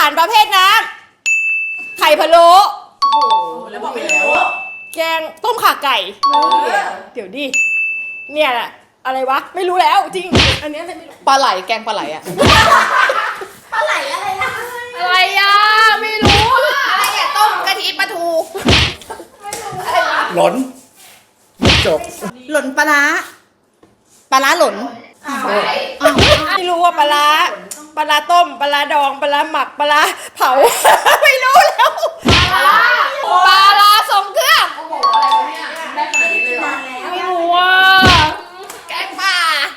ารประเภทน้ำไข่พะโล้โอ้โหแล้วบอกไม่รู้แกงต้มข่าไก่เดี๋ยวดิเนี่ยแหละอะไรวะไม่รู้แล้วจริงอันนี้อะไรไม่รู้ปลาไหลแกงปลาไหลอะปลาไหลอะไรนะอะไรอ่ะไม่รู้อะไรอ่ะต้มกะทิปลาทูหล่นจบหล่นปลาร้าหล่นไม่รู้ว่าปลาร้าต้มปลาร้าดองปลาร้าหมักปลาร้าเผา ไม่รู้แล้วปลาร้าทรงเครื่องโอ้โหอะไรวะเนี่ยได้ขนาดนี้เลยเหรอไม่รู้ว่าแกงป่า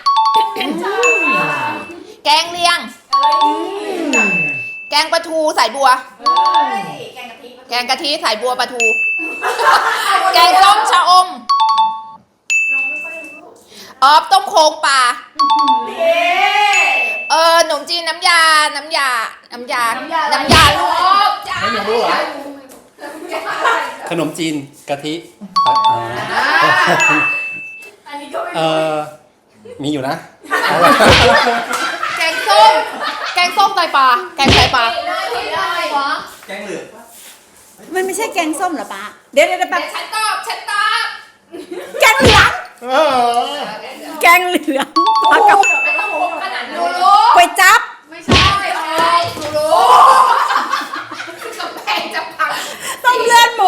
แกงเลียงแกงปลาทูสายบัวแกงกะทิสายบัวปลาทูแกงส้มชะอมต้มโค้งปลาขนมจีนน้ำยาลูกจ้าไม่รู้เหรอขนมจีนกะทิมีอยู่นะแกงส้มไตปลาแกงไตปลาแกงเหลืองมันไม่ใช่แกงส้มเหรอป้าเดี๋ยวแบบฉันตอบแกงเหลือง แกงเหลืองปลากระพงไม่ต้องโกงขนาดนั้นรู้ก๋วยจั๊บไม่ใช่รู้กำแพงจะพังต้มเลือดหมู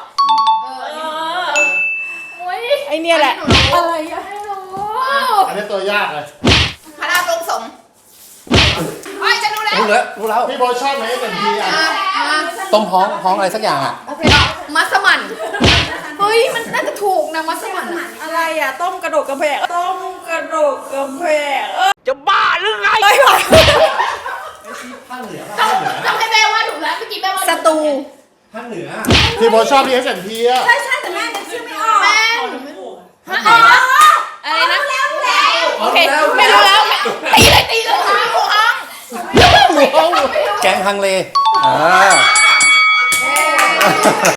ไอเนี่ยแหละอะไรอะอันนี้ตัวยากเลยพระรามลงสงเฮ้ยฉันรู้แล้วรู้แล้วพี่โบชอบไหมเป็นทีอ่ะต้มฮ้องอะไรสักอย่างอ่ะโอเคมัสมั่นเฮ้ยมันน่าจะถูกนะมัสมั่นอะไรอะต้มกระโดดกระแพงจะบ้าหรือไงไม่ไหวภาคเหนือต้องให้แม่ว่าถูกแล้วเมื่อกี้แม่ว่าสตูภาคเหนือพี่โบชอบพี่เป็นทีอ่ะใช่แต่แม่นึกชื่อไม่ออกแม่อะไรนะโอเคไม่รู้แล้วตีเลยหมูฮ้องแกงฮังเล